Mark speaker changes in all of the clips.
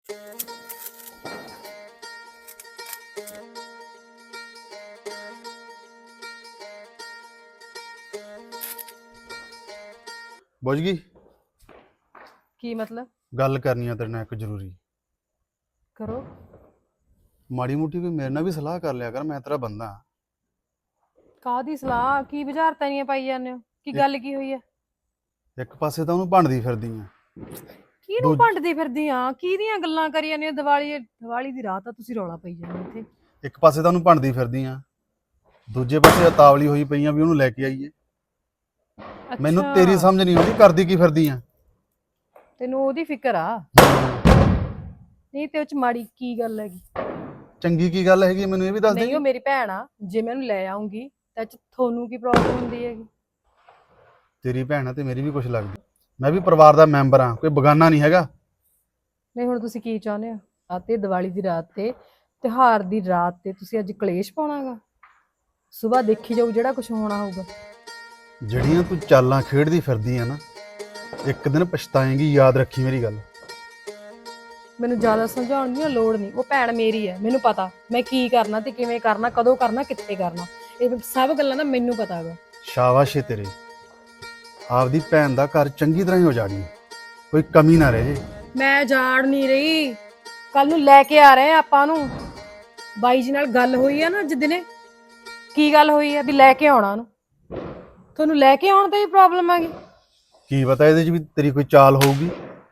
Speaker 1: बुझ गई।
Speaker 2: ਕੀ ਮਤਲਬ?
Speaker 1: गल करनी है तेरे नाल एक जरूरी।
Speaker 2: ਕਰੋ।
Speaker 1: माड़ी मोटी कोई मेरे नाल भी सलाह कर लिया कर, मैं तेरा बंदा हाँ।
Speaker 2: ਕਾਹਦੀ ਸਲਾਹ? ਕੀ ਬੁਝਾਰਤਾਂ ਨਹੀਂ ਪਾਈ ਜਾਂਦੇ ਹੋ? ਕੀ ਗੱਲ ਕੀ ਹੋਈ ਹੈ?
Speaker 1: एक पासे तो ਉਹਨੂੰ ਭੰਡਦੀ ਫਿਰਦੀ ਆ,
Speaker 2: ਕਿਹਨੂੰ ਭੰਡਦੀ ਫਿਰਦੀ ਆ? ਕਿਹਦੀਆਂ ਗੱਲਾਂ ਕਰੀ ਜਾਂਦੇ ਹੋ? ਦੀਵਾਲੀ ਦੀ ਰਾਤ ਆ, ਤੁਸੀਂ ਰੌਲਾ ਪਈ ਜਾਂਦੇ ਇੱਥੇ।
Speaker 1: ਇੱਕ ਪਾਸੇ ਤਾਂ ਉਹਨੂੰ ਭੰਡਦੀ ਫਿਰਦੀ ਆ, ਦੂਜੇ ਪਾਸੇ ਉਤਾਵਲੀ ਹੋਈ ਪਈ ਆ ਵੀ ਉਹਨੂੰ ਲੈ ਕੇ ਆਈਏ। ਮੈਨੂੰ ਤੇਰੀ ਸਮਝ ਨਹੀਂ ਆਉਂਦੀ, ਕਰਦੀ ਕੀ ਫਿਰਦੀ ਆ?
Speaker 2: ਤੈਨੂੰ ਉਹਦੀ ਫਿਕਰ ਆ? ਨਹੀਂ ਤੇ ਉਹ ਚ ਮਾੜੀ ਕੀ ਗੱਲ ਹੈਗੀ?
Speaker 1: ਚੰਗੀ ਕੀ ਗੱਲ ਹੈਗੀ ਮੈਨੂੰ ਇਹ ਵੀ ਦੱਸ ਦੇ।
Speaker 2: ਨਹੀਂ, ਉਹ ਮੇਰੀ ਭੈਣ ਆ, ਜੇ ਮੈਂ ਉਹਨੂੰ ਲੈ ਆਉਂਗੀ ਤਾਂ ਚ ਤੁਹਾਨੂੰ ਕੀ ਪ੍ਰੋਬਲਮ ਹੁੰਦੀ ਹੈਗੀ?
Speaker 1: ਤੇਰੀ ਭੈਣ ਆ ਤੇ ਮੇਰੀ ਵੀ ਕੁਛ ਲੱਗਦੀ। ਮੈਂ ਵੀ ਪਰਿਵਾਰ ਦਾ ਮੈਂਬਰ ਆ, ਕੋਈ ਬਗਾਨਾ ਨਹੀਂ ਹੈਗਾ।
Speaker 2: ਨਹੀਂ ਹੁਣ ਤੁਸੀਂ ਕੀ ਚਾਹੁੰਦੇ ਹੋ? ਅਤੇ ਦੀਵਾਲੀ ਦੀ ਰਾਤ ਤੇ, ਤਿਉਹਾਰ ਦੀ ਰਾਤ ਤੇ ਤੁਸੀਂ ਅੱਜ ਕਲੇਸ਼ ਪਾਉਣਾਗਾ? ਸਵੇਰ ਦੇਖੀ ਜਾਊ ਜਿਹੜਾ ਕੁਝ ਹੋਣਾ ਹੋਊਗਾ।
Speaker 1: ਜਿਹੜੀਆਂ ਤੂੰ ਚਾਲਾਂ ਖੇਡਦੀ ਫਿਰਦੀ ਆ ਨਾ, ਇੱਕ ਦਿਨ ਪਛਤਾਏਂਗੀ, ਯਾਦ ਰੱਖੀ ਮੇਰੀ ਗੱਲ।
Speaker 2: ਮੈਨੂੰ ਜ਼ਿਆਦਾ ਸਮਝਾਉਣ ਦੀ ਲੋੜ ਨਹੀਂ, ਉਹ ਭੈਣ ਮੇਰੀ ਹੈ, ਮੈਨੂੰ ਪਤਾ ਮੈਂ ਕੀ ਕਰਨਾ ਤੇ ਕਿਵੇਂ ਕਰਨਾ, ਕਦੋਂ ਕਰਨਾ, ਕਿੱਥੇ ਕਰਨਾ, ਇਹ ਸਭ ਗੱਲਾਂ ਦਾ ਮੈਨੂੰ ਪਤਾ ਹੈਗਾ।
Speaker 1: ਸ਼ਾਬਾਸ਼ ਏ ਤੇਰੇ, ਆਪਦੀ ਭੈਣ ਦਾ ਘਰ ਚੰਗੀ ਤਰ੍ਹਾਂ ਹੀ ਉਜਾੜੀ, ਕੋਈ ਕਮੀ ਨਾ ਰਹੇ।
Speaker 2: ਮੈਂ ਜਾੜ ਨਹੀਂ ਰਹੀ, ਕੱਲ ਨੂੰ ਲੈ ਕੇ ਆ ਰਹੇ ਆ ਆਪਾਂ ਨੂੰ। ਬਾਈ ਜੀ ਨਾਲ ਗੱਲ ਹੋਈ ਆ ਨਾ ਅੱਜ ਦਿਨੇ। ਕੀ ਗੱਲ ਹੋਈ ਆ? ਵੀ ਲੈ ਕੇ ਆਉਣਾ ਉਹਨੂੰ। ਤੁਹਾਨੂੰ ਲੈ ਕੇ ਆਉਣ ਤੇ ਹੀ ਪ੍ਰੋਬਲਮ ਆ ਗਈ?
Speaker 1: ਕੀ ਪਤਾ ਇਹਦੇ 'ਚ ਵੀ ਤੇਰੀ ਕੋਈ ਚਾਲ ਹੋਊਗੀ।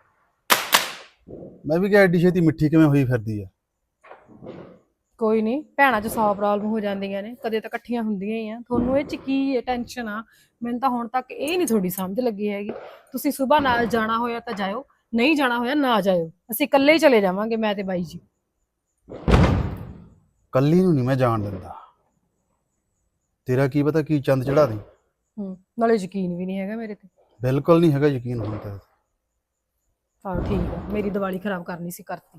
Speaker 1: ਮੈਂ ਵੀ ਕਿਹਾ ਐਡੀ ਛੇਤੀ ਮਿੱਠੀ ਕਿਵੇਂ ਹੋਈ ਫਿਰਦੀ ਆ।
Speaker 2: ਕੋਈ ਨਹੀਂ, ਭੈਣਾਂ 'ਚ 100 ਪ੍ਰੋਬਲਮ ਹੋ ਜਾਂਦੀਆਂ ਨੇ, ਕਦੇ ਤਾਂ ਇਕੱਠੀਆਂ ਹੁੰਦੀਆਂ ਹੀ ਆ। ਤੁਹਾਨੂੰ ਇਹ 'ਚ ਕੀ ਟੈਨਸ਼ਨ ਆ? ਮੈਨੂੰ ਤਾਂ ਹੁਣ ਤੱਕ ਇਹ ਨਹੀਂ ਤੁਹਾਡੀ ਸਮਝ ਲੱਗੀ ਹੈਗੀ। ਤੁਸੀਂ ਸਵੇਰ ਨਾਲ ਜਾਣਾ ਹੋਇਆ ਤਾਂ ਜਾਇਓ, ਨਹੀਂ ਜਾਣਾ ਹੋਇਆ ਨਾ ਜਾਇਓ। ਅਸੀਂ ਇਕੱਲੇ ਹੀ ਚਲੇ ਜਾਵਾਂਗੇ, ਮੈਂ ਤੇ ਬਾਈ ਜੀ।
Speaker 1: ਕੱਲੀ ਨੂੰ ਨਹੀਂ ਮੈਂ ਜਾਣ ਦਿੰਦਾ। ਤੇਰਾ ਕੀ ਪਤਾ ਕੀ ਚੰਦ ਚੜਾ ਦੇ।
Speaker 2: ਨਾਲੇ ਯਕੀਨ ਵੀ ਨਹੀਂ ਹੈਗਾ ਮੇਰੇ ਤੇ।
Speaker 1: ਬਿਲਕੁਲ ਨਹੀਂ ਹੈਗਾ ਯਕੀਨ ਹੁਣ ਤਾਂ।
Speaker 2: ਹਾਂ ਠੀਕ ਆ, ਮੇਰੀ ਦੀਵਾਲੀ ਖਰਾਬ ਕਰਨੀ ਸੀ, ਕਰਤੀ।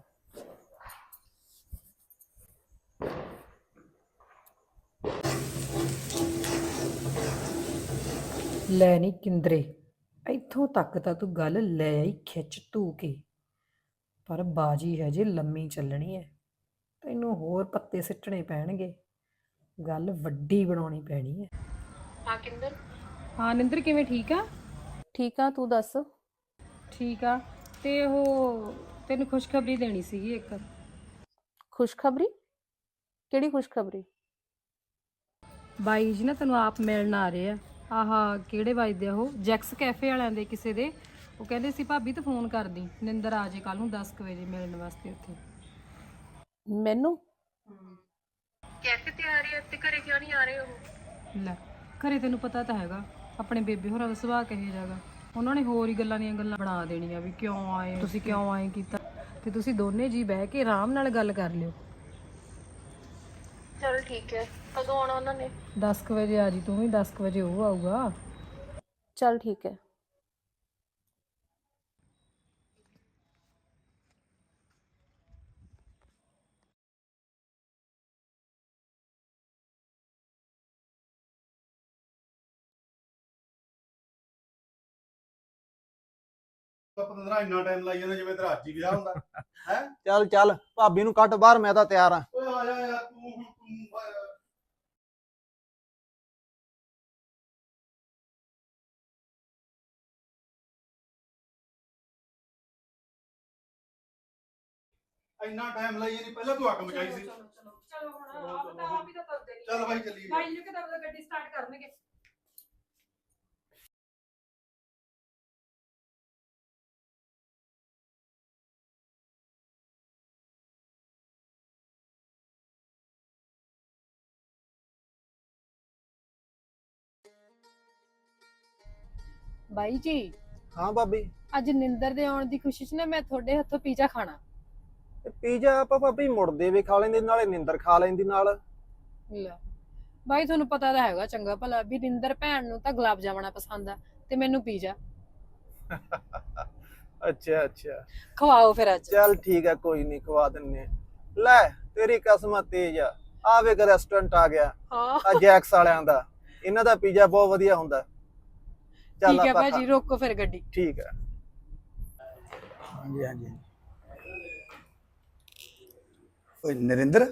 Speaker 2: ਲੈ ਨਹੀਂ ਕਿੰਦਰੇ, ਇੱਥੋਂ ਤੱਕ ਤਾਂ ਤੂੰ ਗੱਲ ਲੈ ਆਈ ਖਿੱਚ ਧੂ ਕੇ, ਪਰ ਬਾਜੀ ਹਜੇ ਲੰਮੀ ਚੱਲਣੀ ਹੈ। ਤੈਨੂੰ ਹੋਰ ਪੱਤੇ ਸਿੱਟਣੇ ਪੈਣਗੇ, ਗੱਲ ਵੱਡੀ ਬਣਾਉਣੀ ਪੈਣੀ ਹੈ। ਹਾਂ ਕਿੰਦਰ। ਹਾਂ ਨਿੰਦਰ, ਕਿਵੇਂ? ਠੀਕ ਆ?
Speaker 3: ਠੀਕ ਆ, ਤੂੰ ਦੱਸ।
Speaker 2: ਠੀਕ ਆ। ਤੇ ਉਹ ਤੈਨੂੰ ਖੁਸ਼ਖਬਰੀ ਦੇਣੀ ਸੀਗੀ ਇੱਕ।
Speaker 3: ਖੁਸ਼ਖਬਰੀ? ਕਿਹੜੀ ਖੁਸ਼ਖਬਰੀ?
Speaker 2: ਬਾਈ ਜੀ ਨਾ ਤੈਨੂੰ ਆਪ ਮਿਲਣ ਆ ਰਹੇ ਆ। ਆਹ ਕਿਹੜੇ ਵੱਜਦੇ ਆ? ਉਹ ਜੈਕਸ ਕੈਫੇ ਵਾਲਿਆਂ ਦੇ ਕਿਸੇ ਦੇ। ਉਹ ਕਹਿੰਦੇ ਸੀ ਭਾਬੀ ਤੂੰ ਫੋਨ ਕਰਦੀ, ਨਿੰਦਰ ਆ ਜੇ ਕੱਲ ਨੂੰ 10 ਵਜੇ ਮਿਲਣ ਵਾਸਤੇ ਉੱਥੇ।
Speaker 3: ਮੈਨੂੰ?
Speaker 2: ਕੈਫੇ ਤੇ ਆ ਰਹੇ ਆ ਤੇ ਘਰੇ ਕਿਉਂ ਨਹੀਂ ਆ ਰਹੇ ਉਹ? ਲੈ, ਘਰੇ ਤੈਨੂੰ ਪਤਾ ਤਾਂ ਹੈਗਾ ਆਪਣੇ ਬੇਬੇ ਹੋਰਾਂ ਦਾ ਸੁਭਾਅ ਕਿਹੋ ਜਿਹਾ ਗਾ। ਉਹਨਾਂ ਨੇ ਹੋਰ ਹੀ ਗੱਲਾਂ ਦੀਆਂ ਗੱਲਾਂ ਬਣਾ ਦੇਣੀਆਂ ਵੀ ਕਿਉਂ ਆਏ ਤੁਸੀਂ, ਕਿਉਂ ਆਏ ਕੀਤਾ। ਤੇ ਤੁਸੀਂ ਦੋਨੇ ਜੀ ਬਹਿ ਕੇ ਆਰਾਮ ਨਾਲ ਗੱਲ ਕਰ ਲਿਓ।
Speaker 3: ਚਲ ਠੀਕ ਹੈ। ਕਦੋਂ ਆਉਣਾ ਉਹਨਾਂ ਨੇ?
Speaker 2: 10 ਵਜੇ ਆ ਜੀ ਤੂੰ ਵੀ, 10 ਵਜੇ ਉਹ ਆਊਗਾ।
Speaker 3: ਚਲ ਠੀਕ ਹੈ।
Speaker 1: ਪਤੰਦਰਾ ਇੰਨਾ ਟਾਈਮ ਲਾਈ ਜਾਂਦਾ ਜਿਵੇਂ ਤੇਰਾ ਅੱਜ ਹੀ ਵਿਆਹ ਹੁੰਦਾ ਹੈ।
Speaker 4: ਚੱਲ ਚੱਲ ਭਾਬੀ ਨੂੰ ਕੱਢ ਬਾਹਰ, ਮੈਂ ਤਾਂ ਤਿਆਰ ਆ।
Speaker 1: ਓਏ ਆ ਜਾ ਯਾਰ ਤੂੰ ਹੁਣ ਇੰਨਾ ਟਾਈਮ ਲਾਈ ਨਹੀਂ, ਪਹਿਲਾਂ ਤੂੰ ਅੱਗ ਮਚਾਈ ਸੀ।
Speaker 2: ਚਲੋ ਹੁਣ ਆਪ ਹੀ ਤਾਂ ਤੁਰਦੇ ਨਹੀਂ।
Speaker 1: ਚੱਲ ਬਾਈ ਚੱਲੀਏ।
Speaker 2: ਬਾਈ ਜੀ ਕਿਦਾਂ ਗੱਡੀ ਸਟਾਰਟ ਕਰਨਗੇ? ਬਾਈ ਜੀ।
Speaker 4: ਹਾਂ ਭਾਬੀ।
Speaker 2: ਅੱਜ ਨਿੰਦਰ ਦੇ ਆਉਣ ਦੀ ਖੁਸ਼ੀ 'ਚ ਨਾ ਮੈਂ ਤੁਹਾਡੇ ਹੱਥੋਂ ਪੀਜ਼ਾ ਖਾਣਾ।
Speaker 4: ਪੀਜ਼ਾ ਆਪਾਂ ਭਾਬੀ ਮੁੜਦੇ ਵੀ ਖਾ ਲੈਂਦੇ, ਨਾਲੇ ਨਿੰਦਰ ਖਾ ਲੈਂਦੀ ਨਾਲ।
Speaker 2: ਲੈ ਬਾਈ, ਤੁਹਾਨੂੰ ਪਤਾ ਤਾਂ ਹੈਗਾ ਚੰਗਾ ਭਲਾ ਵੀ ਨਿੰਦਰ ਭੈਣ ਨੂੰ ਤਾਂ ਗੁਲਾਬ ਜਾਮਣਾ ਪਸੰਦ ਆ ਤੇ ਮੈਨੂੰ ਪੀਜ਼ਾ।
Speaker 4: ਅੱਛਾ ਅੱਛਾ,
Speaker 2: ਖਵਾਓ ਫਿਰ ਅੱਜ।
Speaker 4: ਚੱਲ ਠੀਕ ਹੈ, ਕੋਈ ਨਹੀਂ ਖਵਾ ਦਿੰਨੇ। ਲੈ ਤੇਰੀ ਕਸਮ ਤੇਜ ਆ, ਆਵੇ ਇੱਕ ਰੈਸਟੋਰੈਂਟ ਆ ਗਿਆ ਆ ਜੈਕਸ ਵਾਲਿਆਂ ਦਾ, ਇਹਨਾਂ ਦਾ ਪੀਜ਼ਾ ਬਹੁਤ ਵਧੀਆ ਹੁੰਦਾ। ਚੱਲ
Speaker 2: ਠੀਕ ਹੈ ਭਾਜੀ, ਰੋਕੋ ਫਿਰ ਗੱਡੀ।
Speaker 4: ਠੀਕ ਹੈ। ਹਾਂਜੀ ਹਾਂਜੀ।
Speaker 5: ਓਏ ਨਰਿੰਦਰ,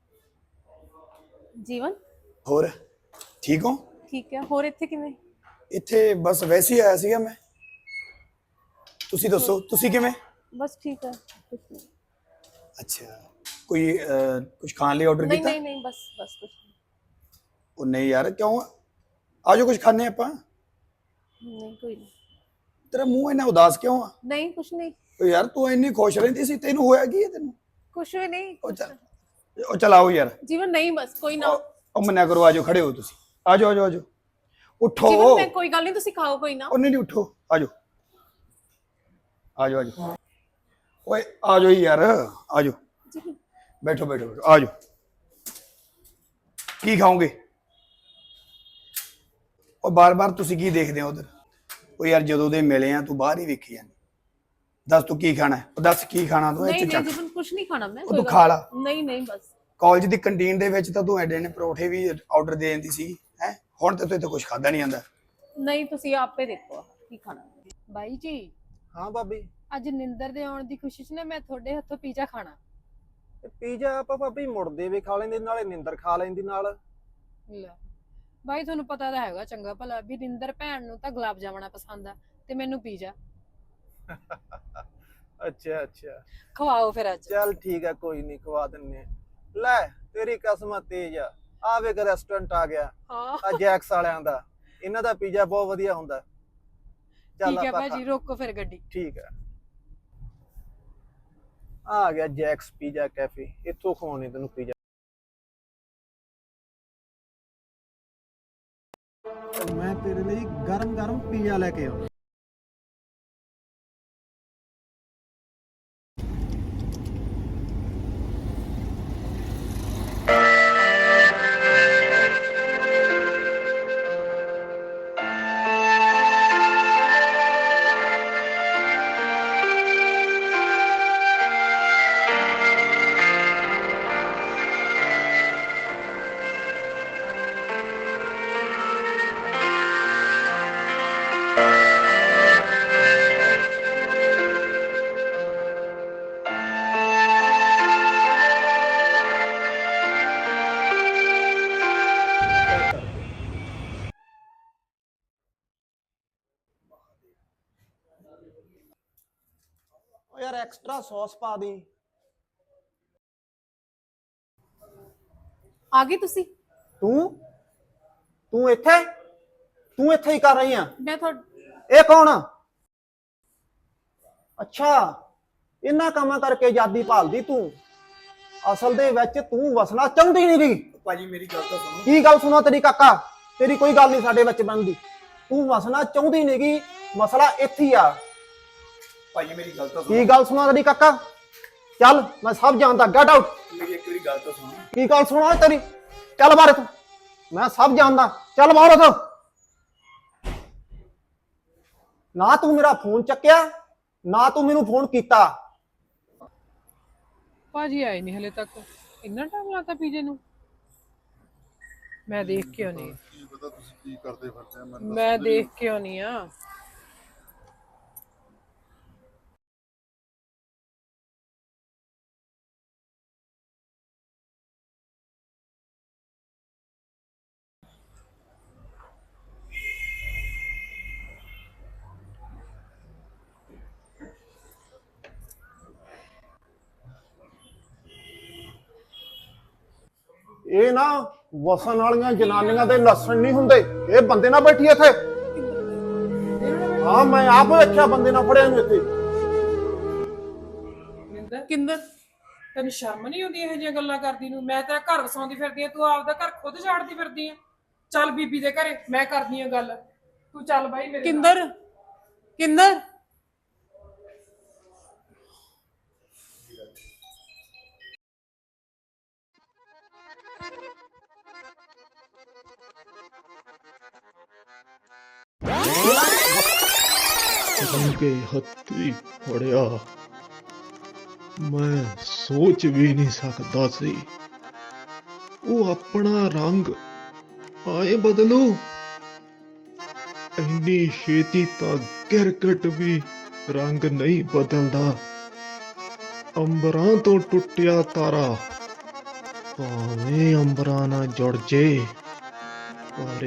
Speaker 3: ਜੀਵਨ
Speaker 5: ਹੋਰ ਠੀਕ ਹੋ?
Speaker 3: ਠੀਕ ਹੈ। ਹੋਰ ਇੱਥੇ ਕਿਵੇਂ?
Speaker 5: ਇੱਥੇ ਬਸ ਵੈਸੇ ਹੀ ਆਇਆ ਸੀਗਾ ਮੈਂ। ਤੁਸੀਂ ਦੱਸੋ, ਤੁਸੀਂ ਕਿਵੇਂ?
Speaker 3: ਬਸ ਠੀਕ ਹੈ, ਕੁਛ ਨਹੀਂ।
Speaker 5: ਅੱਛਾ, ਕੋਈ ਕੁਝ ਖਾਣ ਲਈ ਆਰਡਰ
Speaker 3: ਨਹੀਂ
Speaker 5: ਕੀਤਾ?
Speaker 3: ਨਹੀਂ ਨਹੀਂ, ਬਸ ਬਸ ਕੁਛ ਨਹੀਂ।
Speaker 5: ਉਹ ਨਹੀਂ ਯਾਰ, ਕਿਉਂ? ਆਜੋ ਕੁਝ ਖਾਣੇ ਆਪਾਂ।
Speaker 3: ਨਹੀਂ ਕੋਈ ਨਹੀਂ।
Speaker 5: ਤੇਰਾ ਮੂੰਹ ਇੰਨਾ ਉਦਾਸ ਕਿਉਂ ਆ?
Speaker 3: ਨਹੀਂ ਕੁਛ ਨਹੀਂ।
Speaker 5: ਓ ਯਾਰ ਤੂੰ ਇੰਨੀ ਖੁਸ਼ ਰਹਿੰਦੀ ਸੀ, ਤੈਨੂੰ ਹੋਇਆ ਕੀ ਹੈ ਤੈਨੂੰ?
Speaker 3: ਕੁਛ ਵੀ ਨਹੀਂ।
Speaker 5: ਉਹ ਚੱਲ ਆਓ ਯਾਰ।
Speaker 3: ਜੀਵਨ ਨਹੀਂ, ਬਸ ਕੋਈ ਨਾ।
Speaker 5: ਉਹ ਮੰਨਿਆ ਕਰੋ, ਆਜੋ, ਖੜੇ ਹੋ ਤੁਸੀਂ। ਆਜੋ ਆਜੋ ਆਜੋ, ਉੱਠੋ।
Speaker 3: ਜੀਵਨ ਮੈਂ ਕੋਈ ਗੱਲ ਨਹੀਂ, ਤੁਸੀਂ ਖਾਓ ਕੋਈ ਨਾ।
Speaker 5: ਉਹ ਨਹੀਂ ਨਹੀਂ, ਉੱਠੋ, ਆਜੋ ਆਜੋ ਆਜੋ। ਓਏ ਆਜੋ ਯਾਰ, ਆਜੋ,
Speaker 3: ਜੀਵਨ
Speaker 5: ਬੈਠੋ ਬੈਠੋ ਬੈਠੋ, ਆਜੋ। ਕੀ ਖਾਓਗੇ? ਉਹ ਬਾਰ-ਬਾਰ ਤੁਸੀਂ ਕੀ ਦੇਖਦੇ ਹੋ ਉਧਰ? ਉਹ ਯਾਰ ਜਦੋਂ ਦੇ ਮਿਲੇ ਆ ਤੂੰ ਬਾਹਰ ਹੀ ਵੇਖੀ ਜਾਂਦੀ। ਦੱਸ ਤੂੰ ਕੀ ਖਾਣਾ ਹੈ? ਉਹ ਦੱਸ ਕੀ ਖਾਣਾ ਤੂੰ?
Speaker 3: ਨਹੀਂ
Speaker 5: ਇੱਥੇ
Speaker 3: ਨਹੀਂ
Speaker 5: ਚੱਕ,
Speaker 3: ਜੀਵਨ ਕੁਛ ਨਹੀਂ ਖਾਣਾ ਮੈਂ।
Speaker 5: ਉਹ ਤੂੰ ਖਾ ਲਾ।
Speaker 3: ਨਹੀਂ ਨਹੀਂ ਬਸ।
Speaker 5: ਕਾਲਜ ਦੀ ਕੰਟੀਨ ਦੇ ਵਿੱਚ ਤਾਂ ਤੂੰ ਐਡੇ ਨੇ ਪਰੌਠੇ ਵੀ ਆਰਡਰ ਦੇ ਦਿੰਦੀ ਸੀ ਹੈ। ਹੁਣ ਤੇ ਤੂੰ ਇੱਥੇ ਕੁਝ ਖਾਦਾ ਨਹੀਂ ਆਂਦਾ।
Speaker 3: ਨਹੀਂ ਤੁਸੀਂ ਆਪੇ ਦੇਖੋ ਕੀ ਖਾਣਾ।
Speaker 6: ਬਾਈ ਜੀ,
Speaker 4: ਹਾਂ ਭਾਬੀ।
Speaker 6: ਅੱਜ ਨਿੰਦਰ ਦੇ ਆਉਣ ਦੀ ਖੁਸ਼ੀ 'ਚ ਨਾ ਮੈਂ ਤੁਹਾਡੇ ਹੱਥੋਂ ਪੀਜ਼ਾ ਖਾਣਾ।
Speaker 4: ਪੀਜ਼ਾ ਆਪਾਂ ਭਾਬੀ ਮੁੜਦੇ ਵੀ ਖਾ ਲੈਂਦੇ, ਨਾਲੇ ਨਿੰਦਰ ਖਾ ਲੈਂਦੀ ਨਾਲ।
Speaker 6: ਲੈ ਬਾਈ, ਤੁਹਾਨੂੰ ਪਤਾ ਤਾਂ ਹੈਗਾ ਚੰਗਾ ਭਲਾ ਵੀ ਨਿੰਦਰ ਭੈਣ ਨੂੰ ਤਾਂ ਗੁਲਾਬ ਜਾਮਣਾ ਪਸੰਦ ਆ ਤੇ ਮੈਨੂੰ ਪੀਜ਼ਾ।
Speaker 4: ਅੱਛਾ ਅੱਛਾ,
Speaker 6: ਖਵਾਓ ਫਿਰ ਅੱਜ।
Speaker 4: ਚੱਲ ਠੀਕ ਹੈ, ਕੋਈ ਨਹੀਂ, ਖਵਾ ਦਿੰਨੇ ਆ। ਲੈ ਤੇਰੀ ਕਸਮ ਤੇਜ ਆ, ਆਵੇ ਕਿ ਰੈਸਟੋਰੈਂਟ ਆ ਗਿਆ
Speaker 6: ਹਾਂ
Speaker 4: ਆ ਜੈਕਸ ਵਾਲਿਆਂ ਦਾ। ਇਹਨਾਂ ਦਾ ਪੀਜ਼ਾ ਬਹੁਤ ਵਧੀਆ ਹੁੰਦਾ। ਚੱਲ
Speaker 6: ਠੀਕ ਹੈ
Speaker 4: ਆਪਾਂ
Speaker 6: ਭਾਜੀ, ਰੋਕੋ ਫਿਰ ਗੱਡੀ।
Speaker 4: ਠੀਕ ਹੈ। ਆ ਗਿਆ ਜੈਕਸ ਪੀਜ਼ਾ ਕੈਫੇ, ਇੱਥੋਂ ਖਵਾਉਣੇ ਤੈਨੂੰ ਪੀਜ਼ਾ। ਮੈਂ ਤੇਰੇ ਲਈ ਗਰਮ ਗਰਮ ਪੀਜ਼ਾ ਲੈ ਕੇ ਆਉਣਾ। ਯਾਰ ਐਕਸਟਰਾ ਸੌਸ ਪਾ ਦੀ।
Speaker 3: ਆ ਗਏ ਤੁਸੀਂ?
Speaker 4: ਤੂੰ ਤੂੰ ਇੱਥੇ ਹੀ ਕਰ ਰਹੀ ਆ?
Speaker 3: ਮੈਂ ਤੁਹਾਡਾ
Speaker 4: ਇਹ ਕੌਣ ਆ? ਅੱਛਾ, ਇਹਨਾਂ ਕੰਮਾਂ ਕਰਕੇ ਆਜ਼ਾਦੀ ਭਾਲਦੀ ਤੂੰ। ਅਸਲ ਦੇ ਵਿੱਚ ਤੂੰ ਵਸਣਾ ਚਾਹੁੰਦੀ ਨਹੀਂ ਗਈ।
Speaker 5: ਭਾਜੀ ਮੇਰੀ ਗੱਲ ਤਾਂ ਸੁਣੋ।
Speaker 4: ਕੀ ਗੱਲ ਸੁਣੋ ਤੇਰੀ ਕਾਕਾ? ਤੇਰੀ ਕੋਈ ਗੱਲ ਨਹੀਂ ਸਾਡੇ ਵਿੱਚ ਬਣਦੀ। ਤੂੰ ਵਸਣਾ ਚਾਹੁੰਦੀ ਨਹੀਂ ਗਈ, ਮਸਲਾ ਇੱਥੇ ਹੀ ਆ।
Speaker 5: ਭਾਜੀ ਮੇਰੀ ਗੱਲ ਤਾਂ
Speaker 4: ਕੀ
Speaker 5: ਸੁਣੋ।
Speaker 4: ਗੱਲ ਸੁਣਾ ਤੇਰੀ ਕਾਕਾ? ਚੱਲ ਮੈਂ ਸਭ ਜਾਣਦਾ, ਗੈਟ ਆਊਟ।
Speaker 5: ਮੇਰੀ ਇੱਕ ਵਾਰੀ ਗੱਲ ਤਾਂ ਸੁਣੋ।
Speaker 4: ਕੀ ਗੱਲ ਸੁਣਾ ਤੇਰੀ? ਚੱਲ ਬਾਹਰ ਤੂੰ, ਮੈਂ ਸਭ ਜਾਣਦਾ। ਚੱਲ ਬਾਹਰ ਉਥੋਂ। ਨਾ ਤੂੰ ਮੇਰਾ ਫੋਨ ਚੱਕਿਆ, ਨਾ ਤੂੰ ਮੈਨੂੰ ਫੋਨ ਕੀਤਾ।
Speaker 2: ਭਾਜੀ ਆਏ ਨਹੀਂ ਹਲੇ ਤੱਕ। ਇੰਨਾ ਟਾਈਮ ਲਾਤਾ ਪੀਜੇ ਨੂੰ। ਮੈਂ ਦੇਖ ਕੇ ਆਉਣੀ।
Speaker 1: ਕੀ ਪਤਾ ਤੁਸੀਂ ਕੀ ਕਰਦੇ ਫਿਰਦੇ ਆ, ਮੈਨੂੰ
Speaker 2: ਮੈਂ ਦੇਖ ਕੇ ਆਉਣੀ ਆ।
Speaker 4: ਇਹ ਨਾ ਵਸਣ ਵਾਲੀਆਂ ਜਨਾਨੀਆਂ ਦੇ ਲੱਛਣ ਨਹੀਂ ਹੁੰਦੇ। ਇਹ ਬੰਦੇ ਨਾਲ ਬੈਠੀ ਇੱਥੇ। ਹਾਂ, ਮੈਂ ਆਪ ਵੇਖਿਆ ਬੰਦੇ ਨਾਲ ਫੜਿਆ ਨੂੰ ਇੱਥੇ।
Speaker 2: ਕਿੰਦਰ, ਤੈਨੂੰ ਸ਼ਰਮ ਨਹੀਂ ਆਉਂਦੀ ਇਹੋ ਜਿਹੀਆਂ ਗੱਲਾਂ ਕਰਦੀ ਨੂੰ? ਮੈਂ ਤੇਰਾ ਘਰ ਵਸਾਉਂਦੀ ਫਿਰਦੀ ਆ, ਤੂੰ ਆਪਦਾ ਘਰ ਖੁਦ ਝਾੜਦੀ ਫਿਰਦੀ ਆ। ਚੱਲ ਬੀਬੀ ਦੇ ਘਰੇ, ਮੈਂ ਕਰਦੀ ਆ ਗੱਲ। ਤੂੰ ਚੱਲ ਬਾਈ ਮੇਰੇ ਨਾਲ। ਕਿੰਦਰ, ਕਿੰਦਰ
Speaker 7: ਕੇ ਹੱਥੀ ਫੜਿਆ। ਮੈਂ ਸੋਚ ਵੀ ਨਹੀਂ ਸਕਦਾ ਸੀ ਉਹ ਆਪਣਾ ਰੰਗ ਆਏ ਬਦਲੂ। ਇੰਨੀ ਛੇਤੀ ਤਾਂ ਗਿਰਗਟ ਵੀ ਰੰਗ ਨਹੀਂ ਬਦਲਦਾ। ਅੰਬਰਾਂ ਤੋਂ ਟੁੱਟਿਆ ਤਾਰਾ ਭਾਵੇਂ ਅੰਬਰਾਂ ਨਾਲ ਜੁੜ ਜੇ, ਪਰ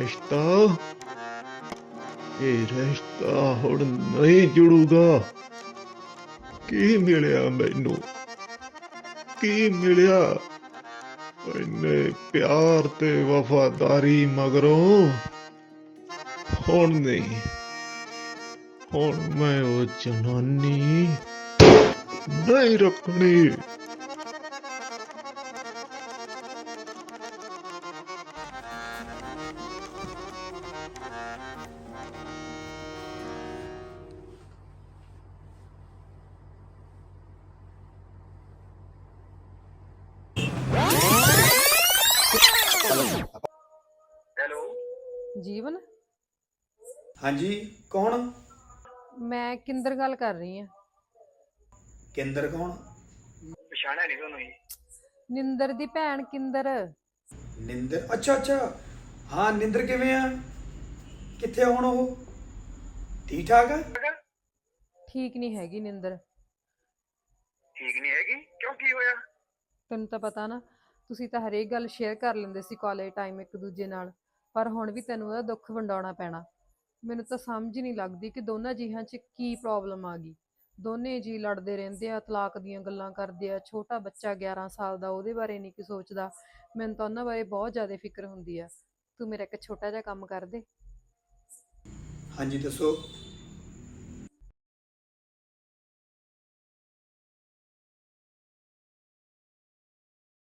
Speaker 7: ਇਹ ਰਿਸ਼ਤਾ ਹੁਣ ਨਹੀਂ ਜੁੜੂਗਾ। ਕੀ ਮਿਲਿਆ ਮੈਨੂੰ? ਕੀ ਮਿਲਿਆ? ਇੰਨੇ ਪਿਆਰ ਤੇ ਵਫਾਦਾਰੀ ਮਗਰੋਂ ਹੁਣ ਨਹੀਂ, ਹੁਣ ਮੈਂ ਉਹ ਜਨਾਨੀ ਨਹੀਂ ਰੱਖਣੀ।
Speaker 5: ਹੈਲੋ।
Speaker 6: ਜੀਵਨ,
Speaker 5: ਹਾਂਜੀ, ਕੌਣ?
Speaker 6: ਮੈਂ ਕਿੰਦਰ ਗੱਲ ਕਰ ਰਹੀ ਹਾਂ।
Speaker 5: ਕੇਂਦਰ ਕੌਣ? ਪਛਾਣਿਆ ਨਹੀਂ ਤੁਹਾਨੂੰ ਜੀ।
Speaker 6: ਨਿੰਦਰ ਦੀ ਭੈਣ ਕਿੰਦਰ।
Speaker 5: ਨਿੰਦਰ? ਅੱਛਾ ਅੱਛਾ, ਹਾਂ ਨਿੰਦਰ ਕਿਵੇਂ ਆ? ਕਿੱਥੇ ਆ ਹੁਣ ਉਹ? ਠੀਕ ਠਾਕ ਆ?
Speaker 6: ਠੀਕ ਨਹੀਂ ਹੈਗੀ ਨਿੰਦਰ।
Speaker 5: ਠੀਕ ਨਹੀਂ ਹੈਗੀ? ਕਿਉਂ, ਕੀ ਹੋਇਆ?
Speaker 6: ਤੈਨੂੰ ਤਾਂ ਪਤਾ ਨਾ, ਤੁਸੀਂ ਤਾਂ ਹਰੇਕ ਗੱਲ ਸ਼ੇਅਰ ਕਰ ਲੈਂਦੇ ਸੀ ਕਾਲਜ ਟਾਈਮ ਇੱਕ ਦੂਜੇ ਨਾਲ, ਪਰ ਹੁਣ ਵੀ ਤੈਨੂੰ ਉਹਦਾ ਦੁੱਖ ਵੰਡਾਉਣਾ ਪੈਣਾ। ਮੈਨੂੰ ਤਾਂ ਸਮਝ ਨਹੀਂ ਲੱਗਦੀ ਕਿ ਦੋਨਾਂ ਜੀਹਾਂ 'ਚ ਕੀ ਪ੍ਰੋਬਲਮ ਆ ਗਈ। ਦੋਨੇ ਜੀ ਲੜਦੇ ਰਹਿੰਦੇ ਆ, ਤਲਾਕ ਦੀਆਂ ਗੱਲਾਂ ਕਰਦੇ ਆ, ਛੋਟਾ ਬੱਚਾ 11 ਸਾਲ ਦਾ, ਉਹਦੇ ਬਾਰੇ ਨਹੀਂ ਕੀ ਸੋਚਦਾ। ਮੈਨੂੰ ਤਾਂ ਉਹਨਾਂ ਬਾਰੇ ਬਹੁਤ ਜ਼ਿਆਦਾ ਫਿਕਰ ਹੁੰਦੀ ਆ। ਤੂੰ ਮੇਰਾ ਇੱਕ ਛੋਟਾ ਜਿਹਾ ਕੰਮ ਕਰ ਦੇ।
Speaker 5: ਹਾਂਜੀ ਦੱਸੋ।